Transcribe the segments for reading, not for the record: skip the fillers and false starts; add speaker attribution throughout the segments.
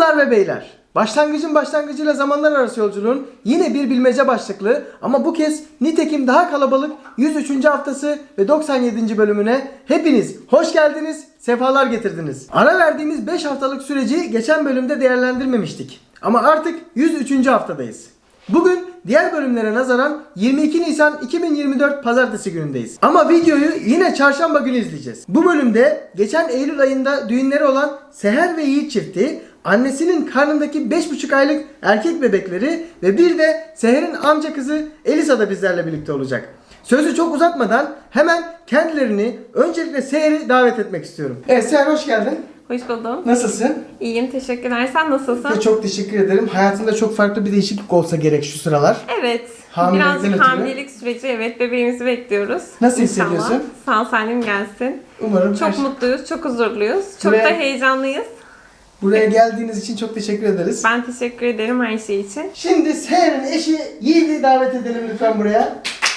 Speaker 1: Hanımlar ve beyler, başlangıcın başlangıcıyla zamanlar arası yolculuğun yine bir bilmece başlıklı ama bu kez nitekim daha kalabalık 103. haftası ve 97. bölümüne hepiniz hoş geldiniz, sefalar getirdiniz. Ara verdiğimiz 5 haftalık süreci geçen bölümde değerlendirmemiştik ama artık 103. haftadayız. Bugün diğer bölümlere nazaran 22 Nisan 2024 Pazartesi günündeyiz. Ama videoyu yine çarşamba günü izleyeceğiz. Bu bölümde geçen Eylül ayında düğünleri olan Seher ve Yiğit çifti, annesinin karnındaki 5,5 aylık erkek bebekleri ve bir de Seher'in amca kızı Elisa da bizlerle birlikte olacak. Sözü çok uzatmadan hemen kendilerini, öncelikle Seher'i davet etmek istiyorum. Evet Seher, hoş geldin.
Speaker 2: Hoş buldum.
Speaker 1: Nasılsın?
Speaker 2: İyiyim, teşekkürler. Sen nasılsın?
Speaker 1: Çok teşekkür ederim. Hayatında çok farklı bir değişiklik olsa gerek şu sıralar.
Speaker 2: Evet.
Speaker 1: Hamilelikten
Speaker 2: Birazcık
Speaker 1: ötürü.
Speaker 2: hamilelik süreci, evet, bebeğimizi bekliyoruz.
Speaker 1: Nasıl
Speaker 2: İnşallah.
Speaker 1: hissediyorsun?
Speaker 2: Sağ salim gelsin.
Speaker 1: Umarım
Speaker 2: Çok mutluyuz, çok huzurluyuz. Çok
Speaker 1: Buraya-
Speaker 2: da heyecanlıyız.
Speaker 1: Buraya geldiğiniz için çok teşekkür ederiz.
Speaker 2: Ben teşekkür ederim her şey için.
Speaker 1: Şimdi Seher'in eşi Yiğit'i davet edelim lütfen buraya.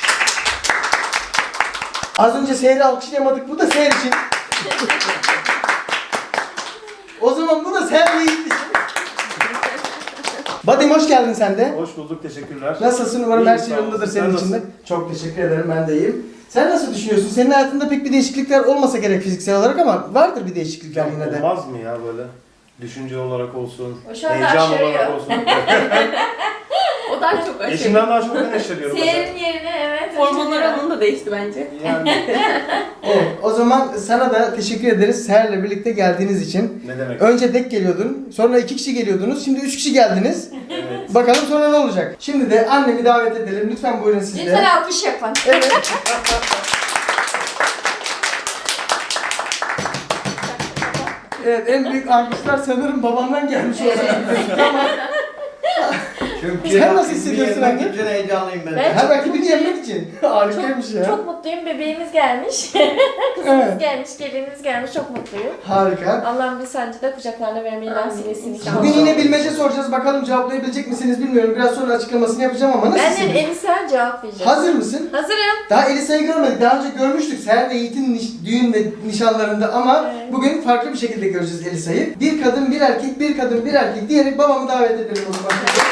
Speaker 1: Az önce Seher'i alkışlayamadık. Bu da Seher için. O zaman bu da Seher ve Yiğit için. Badim, hoş geldin sen de.
Speaker 3: Hoş bulduk, teşekkürler.
Speaker 1: Nasılsın? Umarım
Speaker 3: İyiyim,
Speaker 1: her şey
Speaker 3: sağ
Speaker 1: yolundadır
Speaker 3: olasın.
Speaker 1: senin
Speaker 3: Sen
Speaker 1: için de.
Speaker 3: nasılsın?
Speaker 1: Çok teşekkür ederim, ben de iyiyim. Sen nasıl düşünüyorsun? Senin hayatında pek bir değişiklikler olmasa gerek fiziksel olarak ama vardır bir değişiklikler yine de.
Speaker 3: Olmaz mı ya böyle? Düşünce olarak olsun,
Speaker 4: O şu anda
Speaker 3: heyecan olarak
Speaker 4: aşırıyor.
Speaker 3: olsun.
Speaker 4: O daha çok
Speaker 3: Eşimden daha çok ben eşleniyorum.
Speaker 4: Seher'in yerine evet.
Speaker 2: Hormonlar
Speaker 4: aşırıyor.
Speaker 2: onun da değişti bence.
Speaker 3: Yani
Speaker 1: Evet, o zaman sana da teşekkür ederiz Seher'le birlikte geldiğiniz için.
Speaker 3: ne demek?
Speaker 1: Önce tek geliyordun, sonra 2 kişi geliyordunuz, şimdi 3 kişi geldiniz.
Speaker 3: Evet.
Speaker 1: Bakalım sonra ne olacak? Şimdi de annemi davet edelim. Lütfen buyurun siz de.
Speaker 4: Lütfen alkış yapın.
Speaker 1: Evet. Evet, en büyük alkışlar sanırım babamdan gelmiş olacak. Tamam.
Speaker 5: Çünkü
Speaker 1: Sen nasıl hissediyorsun anne?
Speaker 5: Bütün heyecanlıyım ben.
Speaker 4: Ben-
Speaker 1: Her rakibini yenmek için. Harikaymış ya.
Speaker 4: Çok mutluyum. Bebeğimiz gelmiş. Kızımız
Speaker 1: Evet.
Speaker 4: gelmiş, gelinimiz gelmiş. Çok mutluyum.
Speaker 1: Harika.
Speaker 4: Allah'ım bir sancı da kucaklarına vermeyi nasip etsin inşallah.
Speaker 1: Bugün yine bilmece soracağız. Bakalım cevaplayabilecek misiniz bilmiyorum. Biraz sonra açıklamasını yapacağım ama
Speaker 4: Ben
Speaker 1: nasılsın?
Speaker 4: de Elisa cevap vereceğim.
Speaker 1: Hazır mısın?
Speaker 4: Hazırım.
Speaker 1: Daha Elisa'yı görmedik. Daha önce görmüştük Seher ve Yiğit'in düğün ve nişanlarında ama
Speaker 4: Evet.
Speaker 1: bugün farklı bir şekilde göreceğiz Elisa'yı. Bir kadın, bir erkek, bir kadın, bir erkek diyerek babamı davet edelim o zaman.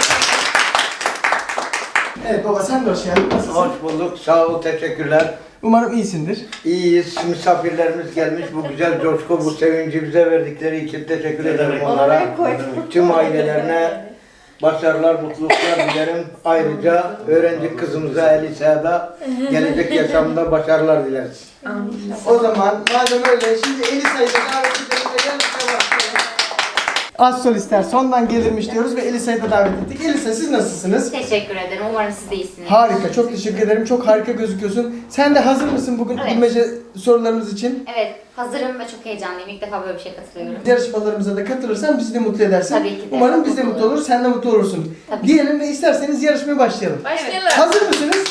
Speaker 1: Evet baba, sen de hoş geldin. Nasılsın?
Speaker 5: Hoş bulduk, sağ ol, teşekkürler.
Speaker 1: Umarım iyisindir.
Speaker 5: İyiyiz, misafirlerimiz gelmiş. Bu güzel coşku, bu sevinci bize verdikleri için teşekkür
Speaker 3: Ne
Speaker 5: ederim
Speaker 3: demek?
Speaker 5: onlara.
Speaker 4: Onlara koy.
Speaker 5: Tüm ailelerine başarılar, mutluluklar dilerim. Ayrıca öğrenci kızımıza Elisa'ya da gelecek yaşamında başarılar dileriz.
Speaker 4: Amin.
Speaker 1: O zaman madem öyle şimdi Elisa'yı da davet edelim ve yarışmaya başlayalım. Az solistler sondan gelirmiş diyoruz ve Elisa'yı da davet ettik. Elisa, siz nasılsınız?
Speaker 6: Teşekkür ederim. Umarım siz de iyisiniz.
Speaker 1: Harika, çok teşekkür ederim. Çok harika gözüküyorsun. Sen de hazır mısın bugün
Speaker 6: Evet.
Speaker 1: bilmece sorularımız için?
Speaker 6: Evet, hazırım ve çok heyecanlıyım. İlk defa böyle bir şey katılıyorum.
Speaker 1: Yarışmalarımıza da katılırsan bizi de mutlu edersin.
Speaker 6: Tabii ki de.
Speaker 1: Umarım biz de mutlu oluruz, sen de mutlu olursun.
Speaker 6: Tabii.
Speaker 1: Diyelim ve isterseniz yarışmaya başlayalım.
Speaker 4: Başlayalım.
Speaker 1: Hazır mısınız?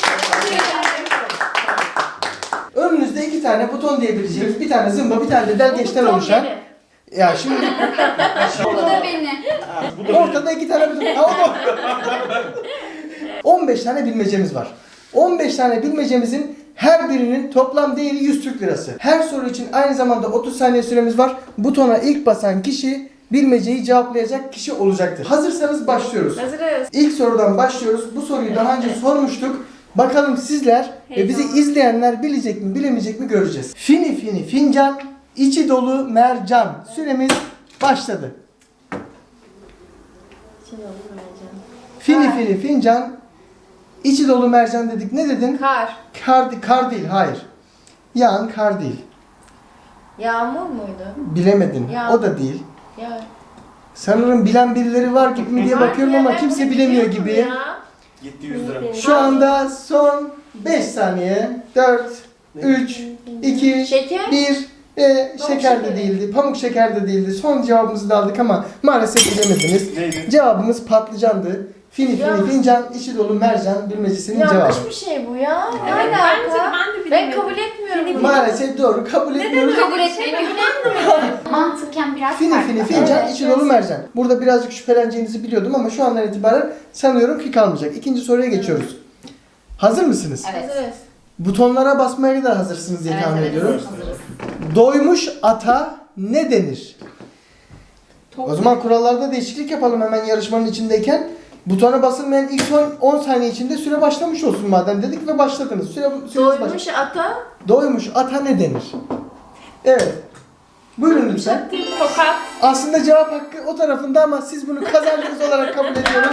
Speaker 1: Önünüzde 2 tane buton diyebileceğimiz, bir tane zımba, bir tane de delgeçten
Speaker 4: Buton
Speaker 1: oluşan.
Speaker 4: benim.
Speaker 1: Ya şimdi
Speaker 6: Bu da beni.
Speaker 1: ortada 2 tane buton. Ha, o da. 15 tane bilmecemiz var. 15 tane bilmecemizin her birinin toplam değeri 100 Türk Lirası. Her soru için aynı zamanda 30 saniye süremiz var. Butona ilk basan kişi bilmeceyi cevaplayacak kişi olacaktır. Hazırsanız başlıyoruz.
Speaker 4: Hazırız.
Speaker 1: İlk sorudan başlıyoruz. Bu soruyu daha önce sormuştuk. Bakalım sizler ve bizi izleyenler bilecek mi bilemeyecek mi göreceğiz. Fini fini fincan, içi dolu mercan. Süremiz başladı. Fini fini fincan, içi dolu mercan dedik. Ne dedin?
Speaker 4: Kar.
Speaker 1: Kar değil, hayır. Yağan kar değil.
Speaker 4: Yağmur muydu?
Speaker 1: Bilemedin.
Speaker 4: Ya.
Speaker 1: O da değil.
Speaker 4: Ya.
Speaker 1: Sanırım bilen birileri var gibi mi diye bakıyorum ama kimse bilemiyor gibi.
Speaker 3: Gitti 100 lira.
Speaker 1: Şu anda son 5 saniye. 4, 3, 2,
Speaker 4: Şeker.
Speaker 1: 1.
Speaker 4: Pamuk
Speaker 1: Şeker de
Speaker 4: şekeri.
Speaker 1: değildi. Pamuk şeker de değildi. Son cevabımızı da aldık ama maalesef bilemediniz.
Speaker 3: Neydi?
Speaker 1: Cevabımız patlıcandı. Fini
Speaker 4: Ya.
Speaker 1: fini fincan, içi dolu mercan bilmecesinin cevabı.
Speaker 4: Yanlış bir şey bu ya. Ne
Speaker 2: Bence
Speaker 4: alaka?
Speaker 2: ben de
Speaker 4: Ben
Speaker 2: bilemedim.
Speaker 4: kabul etmiyorum.
Speaker 1: Maalesef doğru. Kabul etmiyoruz.
Speaker 6: Kabul etmiyorum. Mantıken biraz
Speaker 1: Fini
Speaker 6: farklı.
Speaker 1: fini fincan,
Speaker 4: Evet,
Speaker 1: içi dolu mercan. Burada birazcık şüpheleneceğinizi biliyordum ama şu andan itibaren sanıyorum ki kalmayacak. İkinci soruya geçiyoruz. Hazır mısınız?
Speaker 6: Evet.
Speaker 4: Hazırız.
Speaker 1: Butonlara basmaya da hazırsınız diye
Speaker 6: Evet,
Speaker 1: tahmin
Speaker 6: evet,
Speaker 1: ediyorum.
Speaker 6: hazırız.
Speaker 1: Doymuş ata ne denir? O zaman kurallarda değişiklik yapalım hemen yarışmanın içindeyken. Butona basılmayan ilk son 10 saniye içinde süre başlamış olsun madem dedik ve başladınız. Süreniz
Speaker 4: Doymuş ata.
Speaker 1: Doymuş ata ne denir? Evet. Buyurun lütfen.
Speaker 2: Tokat.
Speaker 1: Aslında cevap hakkı o tarafında ama siz bunu kazandığınız olarak kabul ediyoruz.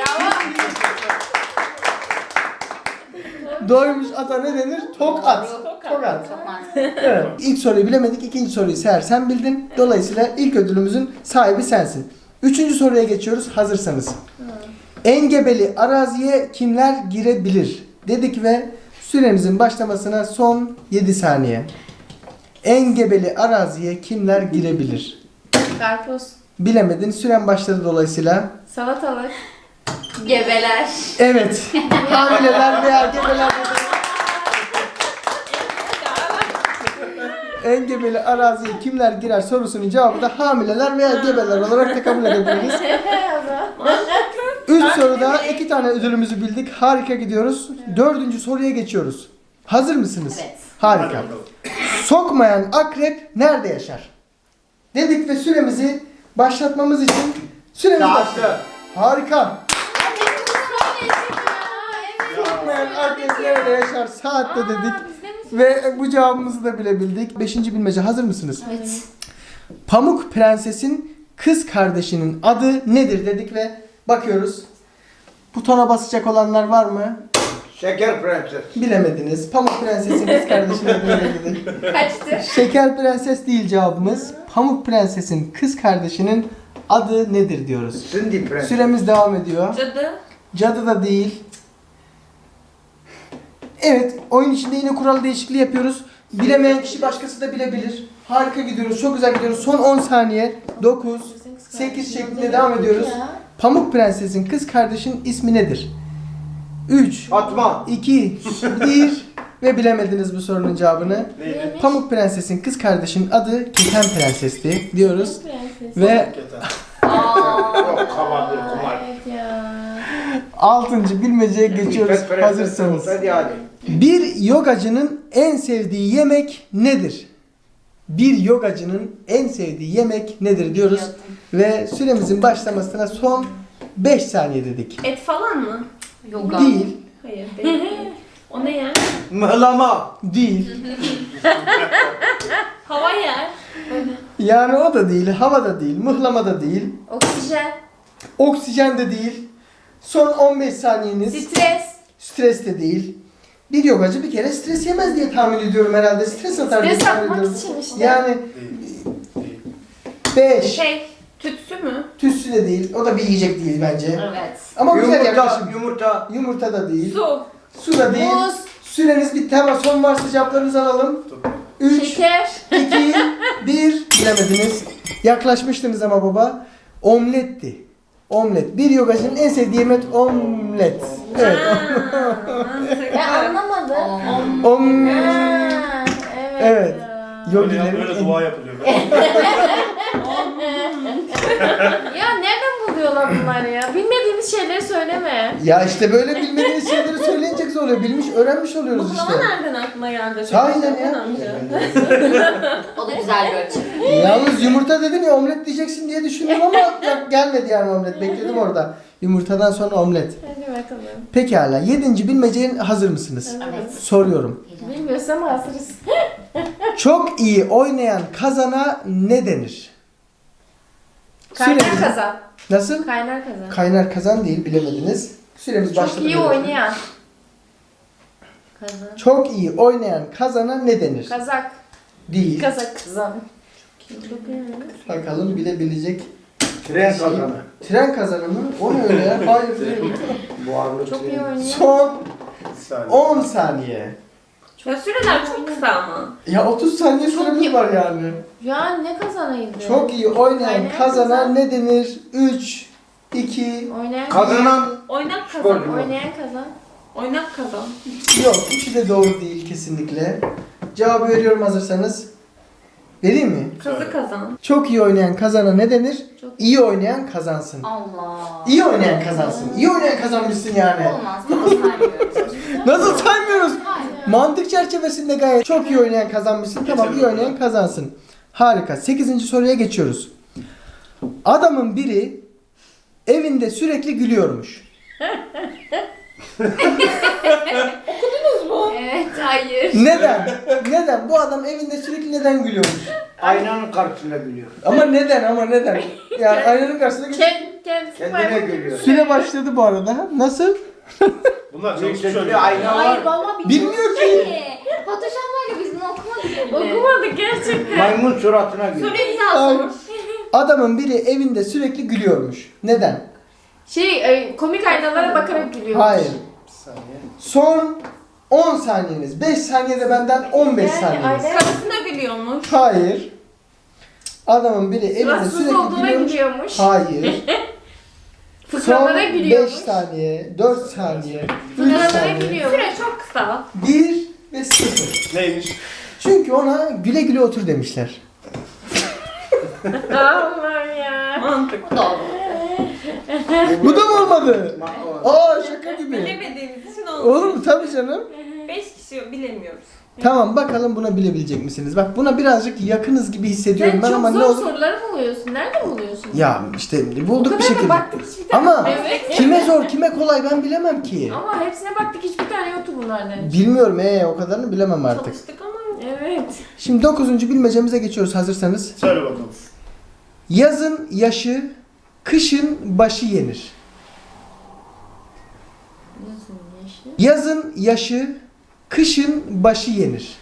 Speaker 1: Doymuş ata ne denir? Tokat. Tokat.
Speaker 6: Çok mantıklı.
Speaker 1: Evet. İlk soruyu bilemedik. İkinci soruyu Seher sen bildin. Dolayısıyla ilk ödülümüzün sahibi sensin. Üçüncü soruya geçiyoruz. Hazırsanız. Engebeli araziye kimler girebilir? Dedik ve süremizin başlamasına son 7 saniye. Engebeli araziye kimler girebilir?
Speaker 4: Karpuz.
Speaker 1: Bilemedin. Süren başladı dolayısıyla.
Speaker 4: Salatalık.
Speaker 6: Gebeler.
Speaker 1: Evet. Hamileler veya gebeler dedi. Engebeli araziye kimler girer sorusunun cevabı da hamileler veya gebeler olarak da kabul edebiliriz. Üç soruda 2 tane ödülümüzü bildik. Harika gidiyoruz. 4. soruya geçiyoruz. Hazır mısınız?
Speaker 6: Evet.
Speaker 1: Harika. Sokmayan akrep nerede yaşar? Dedik ve süremizi başlatmamız için süremiz başladı.
Speaker 5: Saatte.
Speaker 1: Harika. Sokmayan akrep nerede yaşar? Saatte dedik. Ve bu cevabımızı da bilebildik. 5. bilmece hazır mısınız?
Speaker 6: Evet.
Speaker 1: Pamuk Prenses'in kız kardeşinin adı nedir dedik ve bakıyoruz. Butona basacak olanlar var mı?
Speaker 5: Şeker prenses.
Speaker 1: Bilemediniz. Pamuk Prenses'in kız kardeşinin adı nedir dedik.
Speaker 4: Kaçtı?
Speaker 1: Şeker Prenses değil cevabımız. Pamuk Prenses'in kız kardeşinin adı nedir diyoruz.
Speaker 5: Cindy prenses.
Speaker 1: Süremiz devam ediyor.
Speaker 2: Cadı.
Speaker 1: Cadı da değil. Evet, oyun içinde yine kural değişikliği yapıyoruz. Bilemeyen kişi başkası da bilebilir. Harika gidiyoruz, çok güzel gidiyoruz. Son 10 saniye. 9, 8 şeklinde devam ediyoruz. Pamuk Prenses'in kız kardeşinin ismi nedir? 3,
Speaker 5: Fatma.
Speaker 1: 2, 1 ve bilemediniz bu sorunun cevabını.
Speaker 3: Neydi?
Speaker 1: Pamuk Prenses'in kız kardeşinin adı Keten Prenses'ti diyoruz. Ve
Speaker 5: Yok kabardır kumar.
Speaker 4: Evet ya.
Speaker 1: 6. bilmeceye geçiyoruz
Speaker 5: Pet prenses
Speaker 1: hazırsanız.
Speaker 5: Hadi hadi.
Speaker 1: Bir yogacının en sevdiği yemek nedir? Bir yogacının en sevdiği yemek nedir diyoruz. Ve süremizin başlamasına son 5 saniye dedik.
Speaker 2: Et falan mı?
Speaker 6: Yoga.
Speaker 1: Değil,
Speaker 2: Hayır değil. O ne yer?
Speaker 5: Mıhlama.
Speaker 1: değil.
Speaker 2: Hava yer.
Speaker 1: Yani o da değil, hava da değil, mıhlama da değil,
Speaker 4: Oksijen.
Speaker 1: oksijen de değil. Son 15 saniyeniz.
Speaker 4: Stres.
Speaker 1: Stres de değil. Bir yogacı bir kere stres yemez diye tahmin ediyorum herhalde. Stres atar diye
Speaker 4: Stres
Speaker 1: tahmin
Speaker 4: atmak
Speaker 1: ediyorum.
Speaker 4: için işte.
Speaker 1: Yani
Speaker 3: Değil. Değil.
Speaker 1: 5.
Speaker 2: Tütsü mü?
Speaker 1: Tütsü de değil. O da bir yiyecek değil bence.
Speaker 6: Evet.
Speaker 1: Ama güzel
Speaker 5: Yumurta.
Speaker 1: yaklaşım.
Speaker 5: Yumurta.
Speaker 1: Yumurta da değil.
Speaker 2: Su.
Speaker 1: Su da değil.
Speaker 4: Muz.
Speaker 1: Süreniz bitti ama son varsa cevaplarınızı alalım. 3,
Speaker 4: Şeker.
Speaker 1: 2, 1. Bilemediniz. Yaklaşmıştınız ama baba. Omletti. Omlet. Bir yogacının en sevdiği yemek omlet. Evet.
Speaker 4: Ben anlamadım.
Speaker 1: Om.
Speaker 4: Ha, evet.
Speaker 1: Evet.
Speaker 4: Ya.
Speaker 3: Böyle dua yapılıyor.
Speaker 4: Ya nereden buluyorlar bunları ya? Bilmediğimiz şeyleri söyleme.
Speaker 1: Ya işte böyle bilmediğiniz şeyleri söyleyince güzel oluyor. Bilmiş, öğrenmiş oluyoruz işte.
Speaker 2: Muhlama nereden aklına geldi?
Speaker 1: Sahiden ya.
Speaker 6: O da güzel bir ölçü.
Speaker 1: Yalnız yumurta dedin ya omlet diyeceksin diye düşündüm ama gelmedi yani omlet. Bekledim orada. Yumurtadan sonra omlet.
Speaker 4: Hadi bakalım.
Speaker 1: Pekala. 7. bilmeceye hazır mısınız?
Speaker 6: Evet.
Speaker 1: Soruyorum.
Speaker 4: Bilmiyorsam hazırız.
Speaker 1: Çok iyi oynayan kazana ne denir?
Speaker 4: Kaynar
Speaker 1: Süremiz-
Speaker 4: kazan.
Speaker 1: Nasıl?
Speaker 4: Kaynar kazan.
Speaker 1: Kaynar kazan değil bilemediniz. Süremiz başladı.
Speaker 4: Çok iyi
Speaker 1: bile.
Speaker 4: oynayan. Kazan.
Speaker 1: Çok iyi oynayan kazana ne denir?
Speaker 4: Kazak.
Speaker 1: Değil.
Speaker 4: Kazak kazan. Çok iyi.
Speaker 1: Bakalım bilebilecek.
Speaker 5: Tren kazanı.
Speaker 1: Tren kazanı mı? O ne öyle ya? Hayır değil.
Speaker 5: Buharlı
Speaker 4: Çok iyi
Speaker 5: tren.
Speaker 4: oynayan.
Speaker 1: Son
Speaker 3: Bir saniye.
Speaker 1: 10 saniye.
Speaker 2: Ya süreler çok kısa ama.
Speaker 1: Ya 30 saniye süremiz var yani.
Speaker 4: Ya ne kazanaydı?
Speaker 1: Çok iyi oynayan
Speaker 4: Kaynar
Speaker 1: kazana
Speaker 4: kazan.
Speaker 1: ne denir? 3, 2,
Speaker 4: Oynayan
Speaker 5: Kazanan
Speaker 2: Oynak
Speaker 5: Sporcu.
Speaker 2: kazan.
Speaker 4: Oynayan kazan.
Speaker 2: Oynak kazan.
Speaker 1: yok. Üçü de doğru değil kesinlikle. Cevabı veriyorum hazırsanız. Vereyim mi?
Speaker 2: Kazı kazan.
Speaker 1: Çok iyi oynayan kazana ne denir?
Speaker 4: Çok-
Speaker 1: İyi oynayan kazansın.
Speaker 6: Allah.
Speaker 1: İyi oynayan kazansın. İyi oynayan kazanmışsın yani.
Speaker 6: Olmaz. Bunu saymıyoruz.
Speaker 1: Nasıl saymıyoruz?
Speaker 6: Hayır.
Speaker 1: Mantık çerçevesinde gayet çok iyi oynayan kazanmışsın. Tamam iyi oynayan kazansın. Harika. 8. soruya geçiyoruz. Adamın biri evinde sürekli gülüyormuş.
Speaker 6: Evet, hayır.
Speaker 1: Neden? Neden? Bu adam evinde sürekli neden gülüyormuş?
Speaker 5: Aynanın karşısında gülüyor.
Speaker 1: Ama neden? Ama neden? Yani aynanın karşısında gülüyor.
Speaker 4: Kendisi
Speaker 5: Kendine
Speaker 4: maymun
Speaker 5: gülüyor.
Speaker 1: Süre başladı bu arada. Nasıl?
Speaker 3: Bunlar çok
Speaker 5: Yüksekli
Speaker 3: söylüyor.
Speaker 5: ayna
Speaker 6: Hayır
Speaker 5: var.
Speaker 6: baba
Speaker 1: Bilmiyor ki.
Speaker 6: Photoshop'larla biz bunu okumadık bile.
Speaker 4: Okumadık gerçekten.
Speaker 5: Maymun suratına gülüyor.
Speaker 2: Soruyu bir daha sor.
Speaker 1: Adamın biri evinde sürekli gülüyormuş. Neden?
Speaker 4: Komik aynalara bakarak gülüyor.
Speaker 1: Hayır.
Speaker 3: Bir saniye.
Speaker 1: Son 10 saniyeniz. 5 saniyede benden 15
Speaker 4: Yani
Speaker 1: saniyeniz.
Speaker 4: aynen.
Speaker 2: Karısına gülüyormuş.
Speaker 1: Hayır. Adamın biri evinde
Speaker 4: Suratsız
Speaker 1: sürekli
Speaker 4: olduğuna
Speaker 1: gülüyormuş.
Speaker 4: gülüyormuş.
Speaker 1: Hayır. Son
Speaker 4: Fıkralara
Speaker 1: 5
Speaker 4: gülüyormuş.
Speaker 1: saniye, 4 saniye, 3
Speaker 4: Fıkralara
Speaker 1: saniye,
Speaker 4: gülüyormuş.
Speaker 2: Süre çok kısa.
Speaker 1: 1 ve 0.
Speaker 3: Neymiş?
Speaker 1: Çünkü ona güle güle otur demişler.
Speaker 4: Allah'ım ya.
Speaker 2: Mantık.
Speaker 6: Bu da oldu.
Speaker 1: Bu da mı olmadı? Aa şaka gibi.
Speaker 2: Bilemediğimiz için oldu.
Speaker 1: Olur mu? Tabii canım.
Speaker 2: 5 kişi bilemiyoruz.
Speaker 1: Tamam bakalım buna bilebilecek misiniz? Bak buna birazcık yakınız gibi hissediyorum
Speaker 4: Sen
Speaker 1: ben ama
Speaker 4: çok
Speaker 1: ne
Speaker 4: zor
Speaker 1: olur?
Speaker 4: soruları buluyorsun. Nerede buluyorsun?
Speaker 1: Ya işte
Speaker 4: O
Speaker 1: bulduk bir
Speaker 4: kadar da
Speaker 1: şekilde.
Speaker 4: baktık hiçbir tane.
Speaker 1: Ama
Speaker 4: Evet.
Speaker 1: kime zor kime kolay ben bilemem ki.
Speaker 4: Ama hepsine baktık hiçbir tane yoktu bunlardan.
Speaker 1: Bilmiyorum o kadarını bilemem artık.
Speaker 2: Çalıştık ama
Speaker 4: Evet.
Speaker 1: Şimdi 9. bilmecemize geçiyoruz hazırsanız.
Speaker 3: Söyle bakalım.
Speaker 1: Yazın yaşı, kışın başı yenir. Yazın yaşı, kışın başı yenir.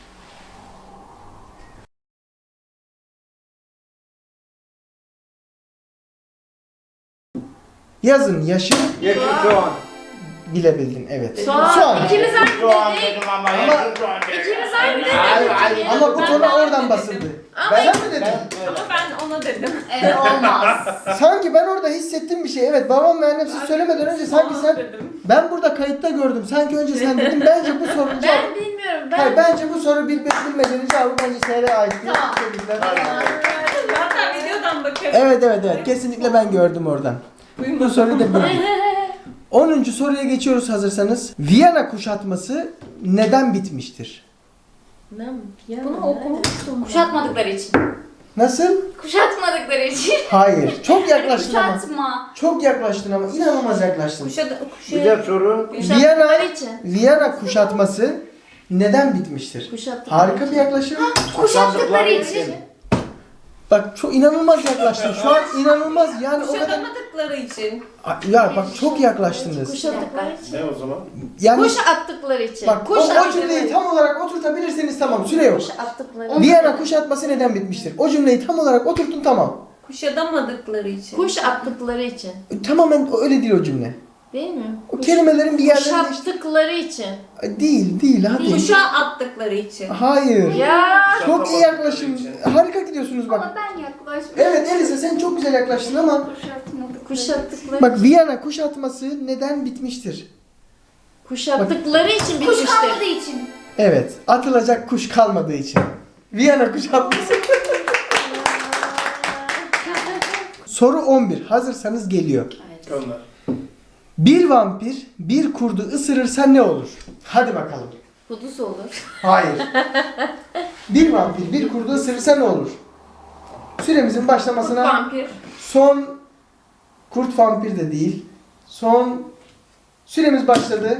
Speaker 1: Yazın yaşı
Speaker 5: Yeşil soğan.
Speaker 1: bilebildin evet.
Speaker 4: Soğan. İkimiz aynı
Speaker 5: Soğan
Speaker 4: dedik.
Speaker 5: dedim ama yeşil soğan dedim.
Speaker 4: İkimiz aynı dedik.
Speaker 5: Hayır, hayır.
Speaker 1: Ama bu
Speaker 2: Ben
Speaker 1: konu
Speaker 2: de
Speaker 1: oradan
Speaker 2: aynı
Speaker 1: basıldı.
Speaker 2: dedim.
Speaker 1: Ben mi dedim?
Speaker 2: ama ben ona dedim.
Speaker 6: Evet, olmaz.
Speaker 1: Sanki ben orada hissettim bir şey. Evet babam ve annem siz söylemeden önce sanki sen
Speaker 2: dedim.
Speaker 1: ben burada kayıtta gördüm. Sanki önce sen dedin. Bence bu sorunun cevabı.
Speaker 4: Ben bilmiyorum.
Speaker 1: Hayır bence bu soru bilmecenin cevabı bence Seher'e ait.
Speaker 6: Tamam.
Speaker 1: Tebrikler.
Speaker 2: Hatta videodan bakarım.
Speaker 1: Evet. Kesinlikle ben gördüm oradan. Bu soruyu da bildim. 10. soruya geçiyoruz hazırsanız. Viyana kuşatması neden bitmiştir?
Speaker 2: Bunu okumuştum.
Speaker 6: Kuşatmadıkları için.
Speaker 1: Nasıl?
Speaker 6: Kuşatmadıkları için.
Speaker 1: Hayır. Çok yaklaştın ama.
Speaker 6: Kuşatma.
Speaker 1: Çok yaklaştın ama inanılmaz yaklaştın.
Speaker 5: Güzel soru.
Speaker 4: Kuşattıkları için.
Speaker 1: Viyana kuşatması neden bitmiştir?
Speaker 4: Kuşattıkları
Speaker 1: Harika bir yaklaşım.
Speaker 6: Kuşattıkları için.
Speaker 1: Bak çok inanılmaz yaklaştın. Şu an inanılmaz yani o kadar.
Speaker 2: Kuşatamadıkları için.
Speaker 1: Ya bak çok yaklaştınız.
Speaker 4: Kuşattıkları için.
Speaker 3: Ne o zaman?
Speaker 1: Yani
Speaker 4: Kuş attıkları için.
Speaker 1: bak o cümleyi tam olarak oturtabilirseniz tamam süre yok.
Speaker 4: Kuş attıkları.
Speaker 1: Viyana kuşatması neden bitmiştir? O cümleyi tam olarak oturtun tamam.
Speaker 2: Kuşatamadıkları için.
Speaker 4: Kuş attıkları için.
Speaker 1: Tamamen öyle değil o cümle.
Speaker 4: Değil mi?
Speaker 1: O kelimelerin bir yerlerinde işte...
Speaker 4: Kuşattıkları için.
Speaker 1: Değil hadi.
Speaker 2: Kuşa attıkları için.
Speaker 1: Hayır.
Speaker 4: Ya.
Speaker 1: Çok iyi yaklaşım. Harika gidiyorsunuz bak.
Speaker 6: Ama ben yaklaşmışım.
Speaker 1: Evet Elisa sen çok güzel yaklaştın ama
Speaker 6: Kuşatmadıkları.
Speaker 1: bak Viyana kuşatması neden bitmiştir?
Speaker 4: Kuşattıkları için
Speaker 6: Kuş
Speaker 4: bitmiştir.
Speaker 6: kalmadığı için.
Speaker 1: Evet, atılacak kuş kalmadığı için. Viyana kuşatması. Soru 11. Hazırsanız geliyor.
Speaker 3: Gönder.
Speaker 1: Bir vampir bir kurdu ısırırsa ne olur? Hadi bakalım.
Speaker 4: Kuduz olur.
Speaker 1: Hayır. Bir vampir bir kurdu ısırırsa ne olur? Süremizin başlamasına
Speaker 2: Vampir.
Speaker 1: son kurt vampir de değil. Son süremiz başladı.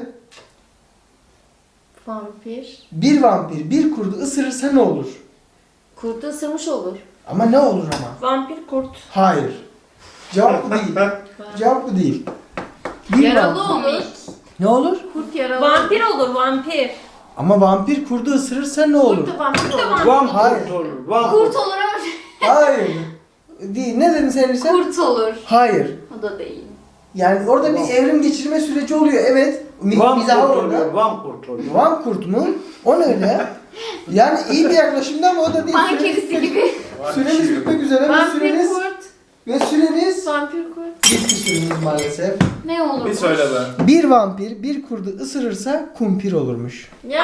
Speaker 4: Vampir.
Speaker 1: Bir vampir bir kurdu ısırırsa ne olur?
Speaker 4: Kurdu ısırmış olur.
Speaker 1: Ama ne olur ama?
Speaker 2: Vampir kurt.
Speaker 1: Hayır. Cevap bu değil. Cevap bu değil. Bir
Speaker 4: Yaralı
Speaker 1: vampir.
Speaker 4: olur.
Speaker 1: Ne olur?
Speaker 4: Kurt yaralı.
Speaker 2: Vampir olur vampir.
Speaker 1: Ama vampir kurdu ısırırsa ne olur?
Speaker 4: Kurt da vampir olur.
Speaker 5: Van
Speaker 1: Hayır.
Speaker 5: kurt olur. Van
Speaker 6: Kurt
Speaker 5: kurt.
Speaker 6: olur ama
Speaker 1: Hayır. Değil. Ne dedin sen Elisa?
Speaker 6: kurt olur.
Speaker 1: Hayır.
Speaker 6: O da değil.
Speaker 1: Yani orada bir evrim geçirme süreci oluyor. Evet.
Speaker 5: Van
Speaker 1: Mizahı
Speaker 5: kurt
Speaker 1: orada.
Speaker 5: oluyor. Van kurt oluyor.
Speaker 1: Van kurt mu? O ne öyle? Yani iyi bir yaklaşımda ama o da değil.
Speaker 6: Van kedisi gibi.
Speaker 1: Süremiz bitmek üzere ve
Speaker 4: Vampir
Speaker 1: süreniz
Speaker 4: kurt. Vampir kurt.
Speaker 1: bitti süreniz maalesef.
Speaker 6: Ne olur?
Speaker 3: Bir söyle be.
Speaker 1: Bir vampir bir kurdu ısırırsa kumpir olurmuş.
Speaker 4: Ya.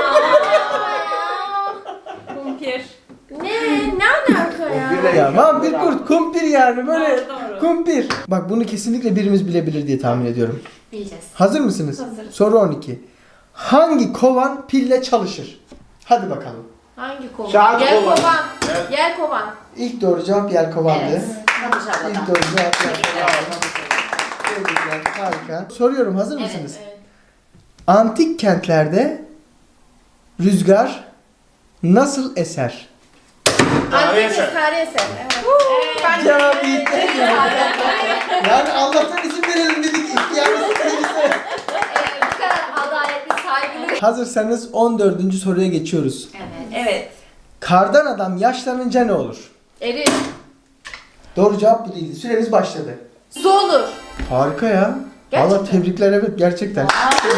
Speaker 2: Kumpir.
Speaker 4: Ne alaka ya?
Speaker 1: Ya vampir kurt kumpir yani böyle
Speaker 2: Doğru.
Speaker 1: kumpir. Bak bunu kesinlikle birimiz bilebilir diye tahmin ediyorum.
Speaker 6: Bileceğiz.
Speaker 1: Hazır mısınız?
Speaker 2: Hazırız.
Speaker 1: Soru 12. Hangi kovan pille çalışır? Hadi bakalım.
Speaker 4: Hangi kovan?
Speaker 5: Saat
Speaker 4: Yel
Speaker 5: kovan.
Speaker 4: kovan. Yel kovan.
Speaker 1: İlk doğru cevap yelkovandı.
Speaker 6: Evet.
Speaker 7: Fatoş abladan.
Speaker 1: İlk doğru cevap Tebrikler, harika. Soruyorum, hazır mısınız?
Speaker 4: Evet.
Speaker 1: Antik kentlerde rüzgar nasıl eser?
Speaker 3: Tarihi
Speaker 4: Antik
Speaker 3: eser.
Speaker 4: tarihi eser. Evet.
Speaker 1: Cevap bitti. Yani Allah'tan isim verelim dedik. Yani
Speaker 6: Bu kadar adaletli, saygılı.
Speaker 1: hazırsanız 14. soruya geçiyoruz.
Speaker 6: Evet.
Speaker 2: Evet.
Speaker 1: Kardan adam yaşlanınca ne olur?
Speaker 4: Erir.
Speaker 1: Doğru cevap bu değildi. Süremiz başladı.
Speaker 4: Su olur.
Speaker 1: Harika ya.
Speaker 4: Gerçekten.
Speaker 1: Valla tebrikler, evet gerçekten.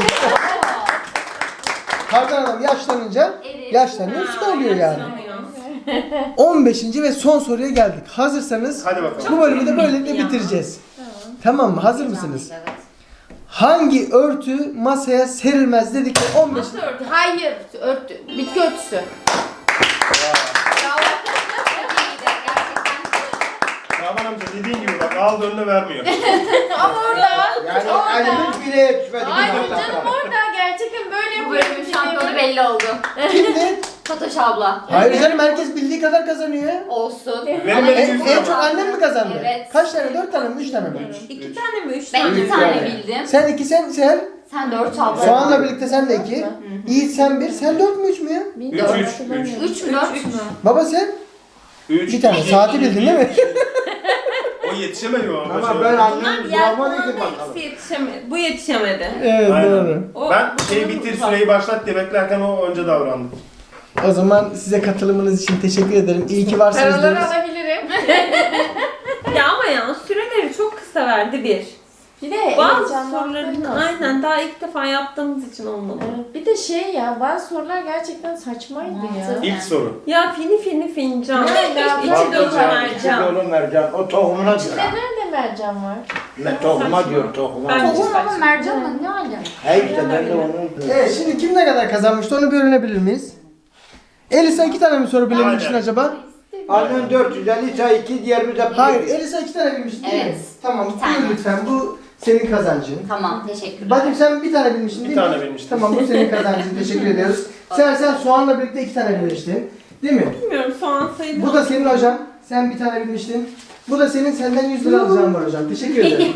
Speaker 1: Kardan adam yaşlanınca
Speaker 6: Evet.
Speaker 1: yaşlanıyor, su da oluyor yani.
Speaker 2: Yaşlanıyor.
Speaker 1: 15. ve son soruya geldik. Hazırsanız
Speaker 3: Hadi bakalım.
Speaker 1: bu bölümü de böylelikle bitireceğiz. Tamam mı? Hazır mısınız?
Speaker 6: Evet.
Speaker 1: Hangi örtü masaya serilmez dedik ve 15.
Speaker 2: Nasıl örtü?
Speaker 4: Hayır. Örtü. Bitki örtüsü.
Speaker 6: Çok iyiydi gerçekten.
Speaker 3: Şaban amca dediğin gibi bak aldı önüne vermiyor.
Speaker 4: Ama orada.
Speaker 5: Yani elimiz bile yetişmedi.
Speaker 4: Hayır
Speaker 5: bir dakika.
Speaker 4: canım, orada gerçekten böyle
Speaker 6: Bu
Speaker 4: yapıyor.
Speaker 6: bölümün şampiyonu belli oldu.
Speaker 1: Kimdi?
Speaker 6: Fatoş abla.
Speaker 1: Hayır canım, herkes bildiği kadar kazanıyor.
Speaker 6: Olsun.
Speaker 3: Benim
Speaker 6: Ama
Speaker 3: elim
Speaker 1: En,
Speaker 3: yüzüne
Speaker 1: en
Speaker 3: bak.
Speaker 1: çok annem mi kazandı?
Speaker 6: Evet.
Speaker 1: Kaç tane? 4 tane mi? 3 tane mi?
Speaker 2: 2 tane mi? 3
Speaker 6: Ben
Speaker 2: tane mi?
Speaker 6: 2 tane bildim.
Speaker 1: Sen 2, sen.
Speaker 6: Sen 4 abla.
Speaker 1: Soğanla birlikte sen de 2. Yiğit sen 1. Sen 4 mü 3 mü ya?
Speaker 6: 3 mü 4 mü?
Speaker 1: Baba sen?
Speaker 3: 3.
Speaker 1: Bir tane. Saati bildin değil mi?
Speaker 3: O yetişemedi o.
Speaker 5: Ama
Speaker 3: başarılı.
Speaker 5: ben
Speaker 2: Bunlar
Speaker 5: annem
Speaker 2: yer
Speaker 5: bulamadı
Speaker 2: falan
Speaker 5: ki
Speaker 2: da
Speaker 5: bakalım.
Speaker 2: ikisi yetişemedi. Bu yetişemedi.
Speaker 1: Evet
Speaker 3: Aynen.
Speaker 1: doğru.
Speaker 2: O,
Speaker 3: Ben
Speaker 2: bu
Speaker 3: şey
Speaker 2: bunun
Speaker 3: bitir
Speaker 2: uzak.
Speaker 3: süreyi başlat diye beklerken o önce davrandı.
Speaker 1: O zaman size katılımınız için teşekkür ederim. İyi ki varsınız
Speaker 4: Paraları
Speaker 1: diyoruz.
Speaker 4: alabilirim.
Speaker 2: Ya ama ya süreleri çok kısa verdi bir.
Speaker 4: Bir de
Speaker 2: Bazı
Speaker 4: heyecanlandırdım
Speaker 2: soruların
Speaker 4: aslında.
Speaker 2: aynen daha ilk defa yaptığımız için olmadı.
Speaker 4: Evet, bir de şey ya, bazı sorular gerçekten saçmaydı ya.
Speaker 3: İlk soru.
Speaker 2: Ya fini fincan.
Speaker 4: Ya,
Speaker 2: İçi
Speaker 5: Bak,
Speaker 2: dolu
Speaker 5: güzel, içi
Speaker 2: mercan.
Speaker 5: dolu mercan. O tohumuna diyor.
Speaker 4: Nerede mercan var?
Speaker 5: Ne tohuma diyor tohuma.
Speaker 2: Ben-
Speaker 6: Tohum ama mercanla ne alaka?
Speaker 5: He işte ben de onu.
Speaker 1: Evet, şimdi kim ne kadar kazanmıştı onu bir öğrenebilir miyiz? Elisa 2 tane mi soru bilebilmişsin
Speaker 3: Aynen.
Speaker 1: acaba?
Speaker 5: Annen 450 çay 2 diğerimiz hep
Speaker 1: Hayır,
Speaker 5: bir.
Speaker 1: Elisa 2 tane bilmiştin değil mi?
Speaker 6: Evet.
Speaker 1: Tamam,
Speaker 6: Bir tane.
Speaker 1: buyur lütfen. Bu senin kazancın.
Speaker 6: Tamam teşekkürler.
Speaker 1: Bakayım sen bir tane bilmiştin değil
Speaker 3: Bir
Speaker 1: mi?
Speaker 3: tane bilmiştim.
Speaker 1: Tamam, bu senin kazancın. Teşekkür ediyoruz. Sen soğanla birlikte 2 tane bilmiştin. Değil mi?
Speaker 2: Bilmiyorum soğan sayılır.
Speaker 1: Bu da senin hocam. Sen bir tane bilmiştin. Bu da senin, senden 100 lira alacağım var hocam. Teşekkür ederim.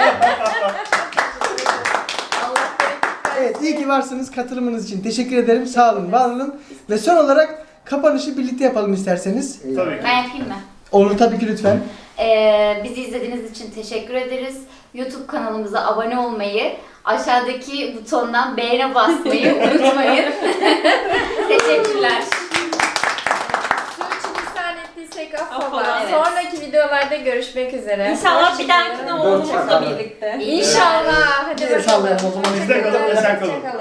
Speaker 1: Evet, iyi ki varsınız. Katılımınız için teşekkür ederim. Sağ olun, var olun. Ve son olarak kapanışı birlikte yapalım isterseniz.
Speaker 3: Tabii ki.
Speaker 6: Ben yapayım mı?
Speaker 1: Olur tabii ki, lütfen.
Speaker 6: Bizi izlediğiniz için teşekkür ederiz. YouTube kanalımıza abone olmayı, aşağıdaki butondan beğene basmayı unutmayın. Teşekkürler.
Speaker 4: Sürçülisan ettiysek affola.
Speaker 2: Affola, evet.
Speaker 4: Sonraki videolarda görüşmek üzere.
Speaker 2: İnşallah bir dahakine
Speaker 5: Dört
Speaker 2: oğlumuzla
Speaker 5: bakalım.
Speaker 2: birlikte.
Speaker 4: İnşallah. Hadi
Speaker 1: Bir
Speaker 4: bakalım.
Speaker 1: sallayalım o zaman.
Speaker 3: Bizde kalın ve sen kalın.
Speaker 4: Hoşça kalın.